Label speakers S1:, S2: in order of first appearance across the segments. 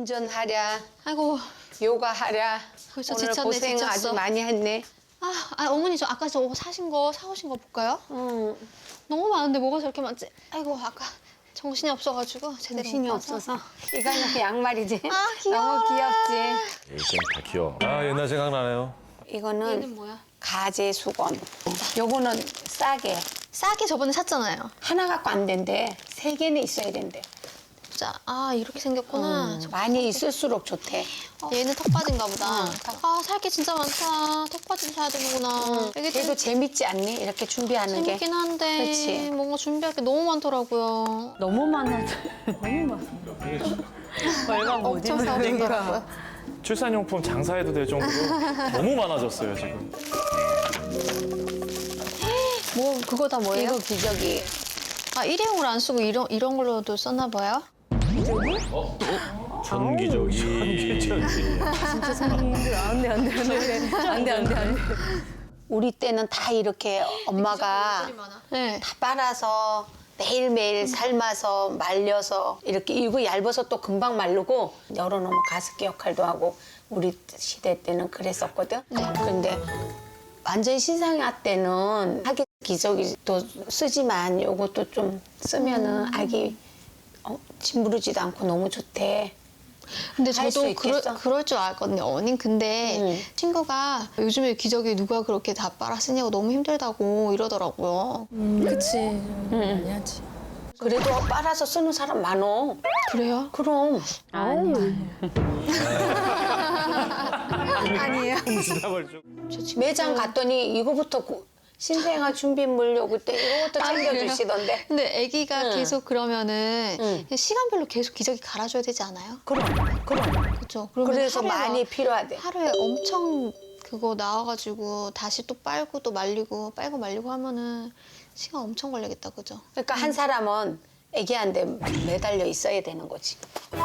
S1: 운전하랴,
S2: 아이고,
S1: 요가하랴.
S2: 벌써
S1: 오늘
S2: 지쳤네,
S1: 고생
S2: 지쳤어.
S1: 아주 많이 했네.
S2: 어머니 저 아까 저 사오신 거 볼까요?
S1: 응,
S2: 너무 많은데 뭐가 저렇게 많지? 아이고, 아까 정신이 없어가지고 제대로
S1: 정신이
S2: 못 봐서.
S1: 없어서. 이거는 그 양말이지.
S2: 귀여워라.
S1: 너무 귀엽지.
S3: 일생 다 귀여워. 아 옛날 생각나네요.
S1: 이거는
S2: 얘는 뭐야?
S1: 가재 수건. 요거는 싸게.
S2: 싸게 저번에 샀잖아요.
S1: 하나 갖고 안 된대. 3개는 있어야 된대.
S2: 자, 이렇게 생겼구나.
S1: 많이 있을수록 좋대.
S2: 얘는 턱 빠진가 보다.
S1: 턱.
S2: 살 게 진짜 많다. 턱 빠진 사야 되는구나. 이게 좀
S1: 그래도 재밌지 않니? 이렇게 준비하는 게.
S2: 재밌긴 한데
S1: 그렇지.
S2: 뭔가 준비할 게 너무 많더라고요.
S4: 너무 많아져. 너무 많아. 얼마 못
S2: 엄청
S4: 입는
S2: 사오셨더라고요.
S3: 출산용품 장사해도 될 정도로 너무 많아졌어요 지금.
S2: 뭐 그거 다 뭐예요?
S1: 이거 기저귀.
S2: 일회용을 안 쓰고 이런 걸로도 썼나 봐요?
S3: 전기적이.
S4: 진짜 사람들 안돼 안돼.
S1: 우리 때는 다 이렇게 엄마가
S2: 네.
S1: 다 빨아서 매일매일 삶아서 말려서 이렇게 이거 얇아서 또 금방 마르고 열어놓으면 가습기 역할도 하고 우리 시대 때는 그랬었거든. 근데 완전 신생아 때는 하기 기저귀도 쓰지만 요것도 좀 쓰면은 아기 짓무르지도 않고 너무 좋대.
S2: 근데
S1: 할수
S2: 저도
S1: 있겠어?
S2: 그럴 줄 알거든요. 언니 근데 친구가 요즘에 기저귀 누가 그렇게 다 빨아 쓰냐고 너무 힘들다고 이러더라고요.
S4: 그치. 많이 하지.
S1: 그래도 빨아서 쓰는 사람 많어.
S2: 그래요?
S1: 그럼.
S2: 아니에요.
S3: 지답을 좀.
S1: 매장 갔더니 이거부터 신생아 준비물 요 그때 이거부터 챙겨주시던데.
S2: 근데 아기가
S1: 응.
S2: 계속 그러면은
S1: 응.
S2: 시간별로 계속 기저귀 갈아줘야 되지 않아요?
S1: 그럼.
S2: 그렇죠.
S1: 그래서 많이 필요하대.
S2: 하루에 엄청 그거 나와가지고 다시 또 빨고 또 말리고 빨고 말리고 하면은 시간 엄청 걸리겠다, 그죠?
S1: 그러니까 한 사람은 애기한테 매달려 있어야 되는 거지.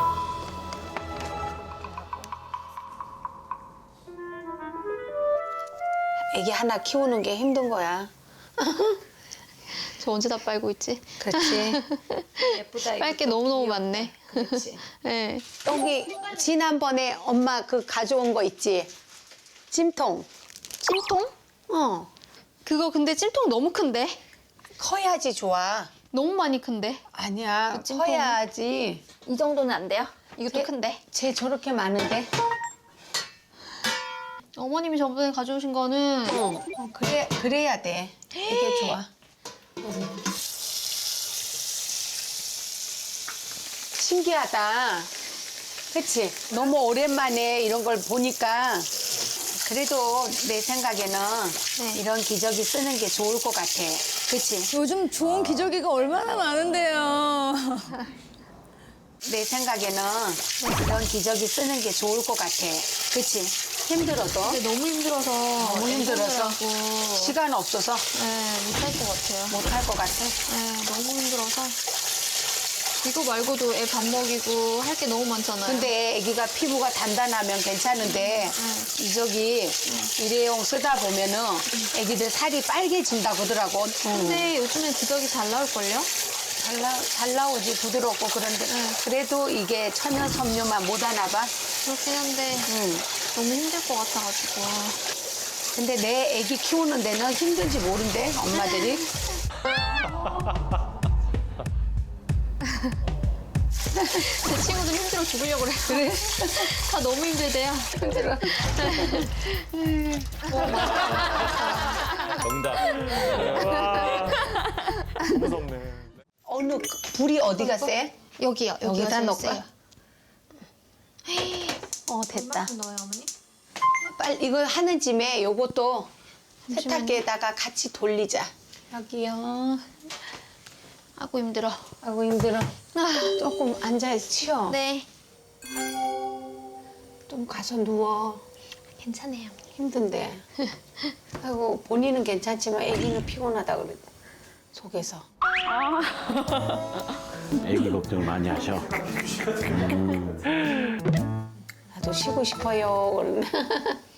S1: 애기 하나 키우는 게 힘든 거야.
S2: 저 언제 다 빨고 있지?
S1: 그렇지. 예쁘다.
S2: 빨 게 너무너무 많네.
S1: 그렇지.
S2: 네.
S1: 여기 지난번에 엄마 그 가져온 거 있지? 찜통.
S2: 찜통? 그거 근데 찜통 너무 큰데?
S1: 커야지 좋아.
S2: 너무 많이 큰데?
S1: 아니야.
S2: 그 찜통은?
S1: 커야지.
S2: 이 정도는 안 돼요? 이것도 큰데?
S1: 쟤 저렇게 많은데?
S2: 어머님이 저번에 가져오신 거는
S1: 그래야 돼. 이게 좋아. 신기하다. 그치? 너무 오랜만에 이런 걸 보니까 그래도 내 생각에는 이런 기저귀 쓰는 게 좋을 것 같아. 그치?
S4: 요즘 좋은 기저귀가 얼마나 많은데요.
S1: 내 생각에는 이런 기저귀 쓰는 게 좋을 것 같아. 그치? 힘들어도.
S2: 근데 너무 힘들어서
S1: 너무 힘들어서.
S2: 힘들더라고.
S1: 시간 없어서
S2: 못할 것 같아요.
S1: 못할 것 같아.
S2: 너무 힘들어서. 이거 말고도 애 밥 먹이고 할 게 너무 많잖아요.
S1: 근데 아기가 피부가 단단하면 괜찮은데 기저귀 일회용 쓰다 보면은 아기들 살이 빨개진다고 하더라고.
S2: 근데 요즘엔 기저귀 잘 나올걸요?
S1: 잘 나오지 부드럽고 그런데 그래도 이게 천연 섬유만 못 하나 봐.
S2: 그렇긴 한데 너무 힘들 것 같아가지고.
S1: 근데 내 아기 키우는 데는 힘든지 모른대 엄마들이.
S2: 제 친구들 힘들어 죽으려고 그래요. 그래? 다 너무 힘들대요.
S1: 힘들어.
S3: 정답. 와. 무섭네.
S1: 불이 어디가 세?
S2: 여기요.
S1: 여기다
S2: 제일
S1: 넣을까?
S2: 세요.
S1: 됐다.
S2: 넣어요, 어머니?
S1: 빨리 이거 하는 짐에 요것도
S2: 잠시만요.
S1: 세탁기에다가 같이 돌리자. 여기요.
S2: 아고 힘들어.
S1: 아이고 힘들어. 조금 앉아서 쉬어.
S2: 네.
S1: 좀 가서 누워.
S2: 괜찮아요.
S1: 힘든데. 아이고 본인은 괜찮지만 애기는 피곤하다 그래. 속에서.
S5: 애기 걱정을 많이 하셔.
S1: 나도 쉬고 싶어요. 그러네.